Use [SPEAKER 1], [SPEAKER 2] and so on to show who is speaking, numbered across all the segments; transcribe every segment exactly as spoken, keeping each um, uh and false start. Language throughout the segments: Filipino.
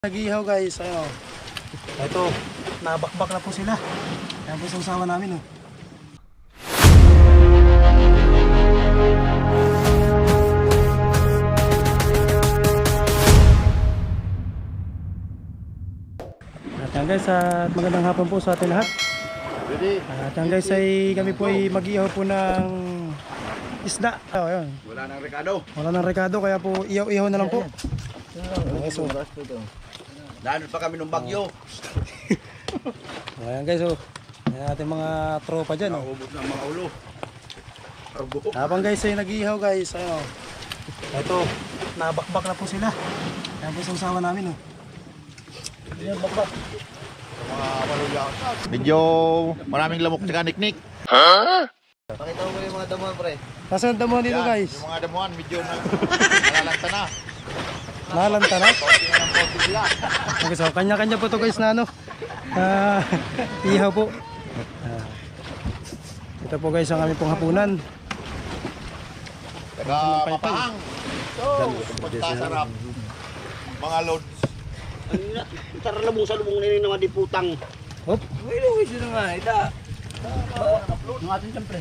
[SPEAKER 1] Nag-ihaw guys, ayun. Ito, nabakbak na po sila. Ayan po sa usawa namin oh. At yan guys, at magandang hapon po sa atin lahat. At yan guys, ay kami po ay mag-ihaw po ng isda. Oh, ayun.
[SPEAKER 2] Wala nang rekado.
[SPEAKER 1] Wala nang rekado, kaya po ihaw-ihaw na lang po. Okay, so,
[SPEAKER 2] Dahil pa kami ng bagyo.
[SPEAKER 1] ayan guys, oh. Ayan ating mga tropa dyan. Oh.
[SPEAKER 2] Naubos ng mga ulo. Arbo.
[SPEAKER 1] Habang guys ay nag-ihaw guys, ayun. Ito, nabakbak na po sila. Ayan po sa usawa namin oh. Ayan, bakbak.
[SPEAKER 2] Mga maluya. Medyo maraming lamok tsaka niknik. Ha? Pakita mo yung mga damuhan, pre.
[SPEAKER 1] Nasaan ang damuhan dito
[SPEAKER 2] Yan,
[SPEAKER 1] guys?
[SPEAKER 2] yung mga damuhan medyo na nalalanta na.
[SPEAKER 1] Nalanta na?
[SPEAKER 2] Konti na ng konti sila.
[SPEAKER 1] Okay, so kanya-kanya po to guys na ano. Ah, ihaw po. Ah, ito po guys ang aming pong hapunan.
[SPEAKER 2] Taga mapahang. So, pagkasarap. Mga loads.
[SPEAKER 3] Tara na mo sa lubong nini naman di putang.
[SPEAKER 1] Hop.
[SPEAKER 3] Wala ko sino nga ita. Ng ating siyempre.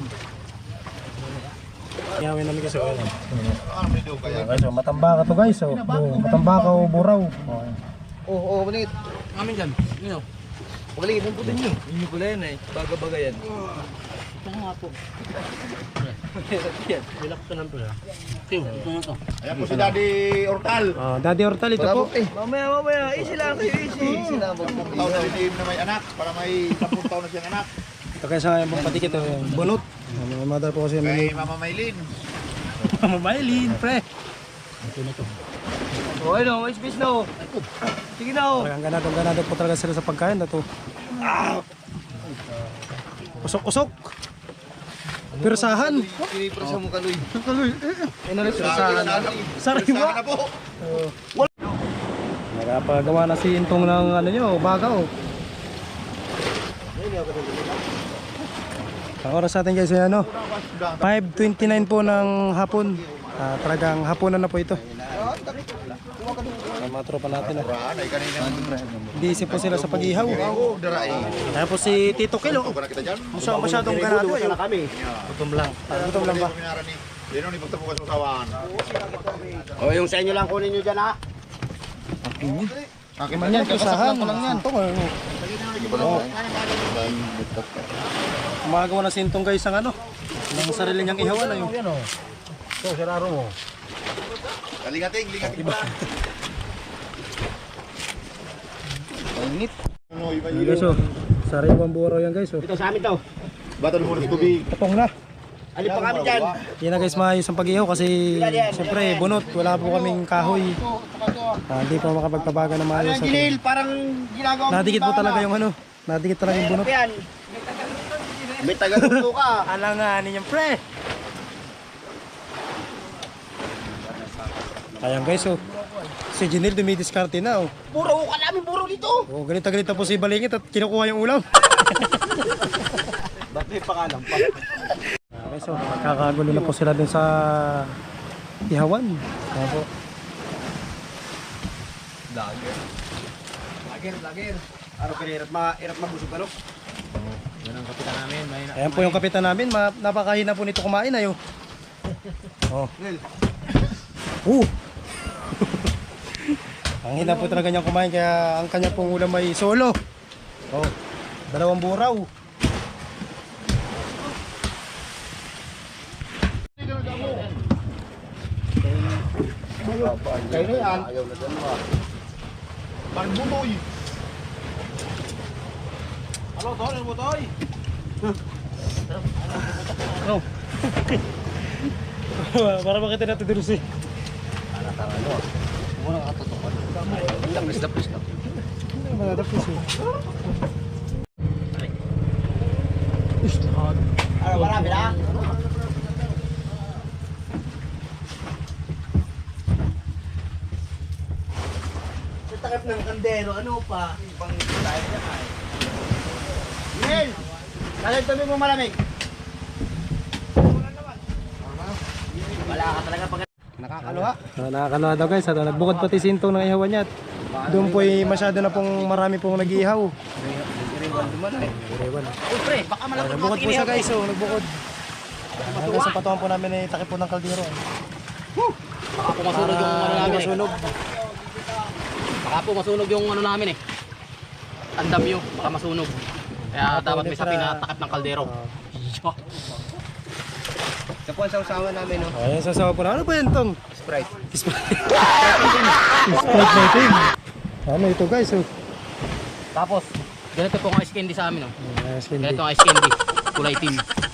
[SPEAKER 1] Ihawin namin kasi oil.
[SPEAKER 2] Ano medyo kaya?
[SPEAKER 1] Okay, so matambaka to guys. Oh, oh matambaka o buraw. Oh.
[SPEAKER 3] Oo, oo, baligid. Amin dyan. Yun o. Baligid, ang putin nyo. Yun yung pala yan eh. Baga-baga yan. Ito nga po. Relax ka lang pala. Tiyo, ito na to.
[SPEAKER 2] Ayan po si Daddy Ortal.
[SPEAKER 1] Ah, Daddy Hortal ito po.
[SPEAKER 3] Mamaya, mamaya. Easy lang kayo, easy. Easy lang.
[SPEAKER 2] Sampung taon na rin na may anak. Para may sampung taon na siyang anak.
[SPEAKER 1] Ito kaya sa ngayon pong patikit oh, yung bunot. May mother po kasi
[SPEAKER 2] Kay
[SPEAKER 1] may
[SPEAKER 2] Mama Maylin.
[SPEAKER 1] mamailin, pre.
[SPEAKER 3] O, ano, may space na o. Sige na o.
[SPEAKER 1] Talagang ganado, ganado po talaga sila sa pagkain na to. Usok-usok. Pirsahan.
[SPEAKER 2] Pinipresa mo kaloy.
[SPEAKER 1] Kaloy. Eh, ano pirsahan? Sariwa.
[SPEAKER 2] na po.
[SPEAKER 1] Nakapagawa na si Intong ng ano nyo, baga oh. Ang oras natin guys ay ano, five twenty-nine po ng hapon. Ah, talagang hapunan na po ito. Ang mga tropa natin ah.
[SPEAKER 2] Ay kanina.
[SPEAKER 1] Busy po sila sa pag-ihaw.
[SPEAKER 2] Oo, daray.
[SPEAKER 1] Kaya po si Tito Kilo.
[SPEAKER 2] Ito ka na kita dyan.
[SPEAKER 1] Masyadong masyadong ganado eh.
[SPEAKER 3] kami.
[SPEAKER 1] Gutom lang. Ah, gutom lang ba?
[SPEAKER 2] Yan ang ipagtapo ka sa usawan.
[SPEAKER 3] O, yung sa inyo lang kunin nyo dyan ha.
[SPEAKER 2] Akin
[SPEAKER 1] Man yan, pirsahan. Ito ko. Gumagawa na si Intong guys ang ano, ng sarili niyang ihawan na yung
[SPEAKER 3] So, sararo mo.
[SPEAKER 2] Lingating, lingating ba?
[SPEAKER 1] init. Ayan guys oh, sariwang buraw yan guys oh.
[SPEAKER 3] Ito sa amin to.
[SPEAKER 2] Batal mo ng tubig.
[SPEAKER 1] Tapong na.
[SPEAKER 3] Alin pa kami dyan.
[SPEAKER 1] Yan na guys, maayos ang pag-ihaw kasi siyempre bunot, wala po kaming kahoy. Ah, hindi pa makapagpabaga na maayos.
[SPEAKER 3] Ano Ginil, parang ginagawa mo.
[SPEAKER 1] Nadikit po talaga yung ano, nadikit talaga yung bunot.
[SPEAKER 3] Yan. May taga-tuto ka.
[SPEAKER 1] Alanganin yung pre. Ayan guys oh, si Ginil dumidiskarte na oh.
[SPEAKER 3] Puro ka namin, puro dito.
[SPEAKER 1] Oh, ganita-ganita po si Balingit at kinukuha yung ulam.
[SPEAKER 3] Ba't may pangalan pa?
[SPEAKER 1] Okay, so magkakagulo na po sila dun sa ihawan. Ayan po.
[SPEAKER 3] Lager. Lager, lager. Araw ka hirap, ma hirap mabusog ano?
[SPEAKER 2] Yan ang kapitan namin.
[SPEAKER 1] Ayan po yung kapitan namin, ma napakahina po nito kumain ayo. Oh. Uh. Ang hina po talaga niyang kumain kaya ang kanya pong ulam ay solo. Oh. Dalawang buraw.
[SPEAKER 2] Kayo na yan. Ayaw na dyan mo. Pagbutoy. Ano to? Ano butoy?
[SPEAKER 1] Oh. Para makita natin dito si.
[SPEAKER 2] Muna nakatutukan. Dapis, dapis na.
[SPEAKER 1] Hindi ba nadapis eh.
[SPEAKER 3] Ano, marami na? Sa takip ng kandero, ano pa? Ibang tayo na ay. Ginil! Kalit tabi mo malamig. Wala ka talaga pag...
[SPEAKER 1] Nakakaluha. Uh, nakakaluha daw guys. At, uh, nagbukod pati si Intong ng ihawan niya. Doon po ay masyado na pong marami pong nag-iihaw.
[SPEAKER 3] Iriwan naman ay.
[SPEAKER 1] Iriwan.
[SPEAKER 3] Uy, pre, baka malapit
[SPEAKER 1] Nagbukod po siya guys, oh, nagbukod. Hanggang sa patungan po namin ay takip po ng kaldero. eh.
[SPEAKER 3] Baka po masunog yung ano
[SPEAKER 1] Para
[SPEAKER 3] namin eh.
[SPEAKER 1] masunog.
[SPEAKER 3] Baka po masunog yung ano namin eh. Tandam yun, baka masunog. Kaya dapat may sapi na takip ng kaldero. Ito po ang sausawan namin, no?
[SPEAKER 1] Ayan, sasawa po na. Ano po yan tong?
[SPEAKER 3] Sprite.
[SPEAKER 1] Sprite natin. Ano ito guys, oh.
[SPEAKER 3] Tapos, ganito po ang ice candy sa amin, no?
[SPEAKER 1] Ayan,
[SPEAKER 3] Ganito ang ice candy. Kulay team.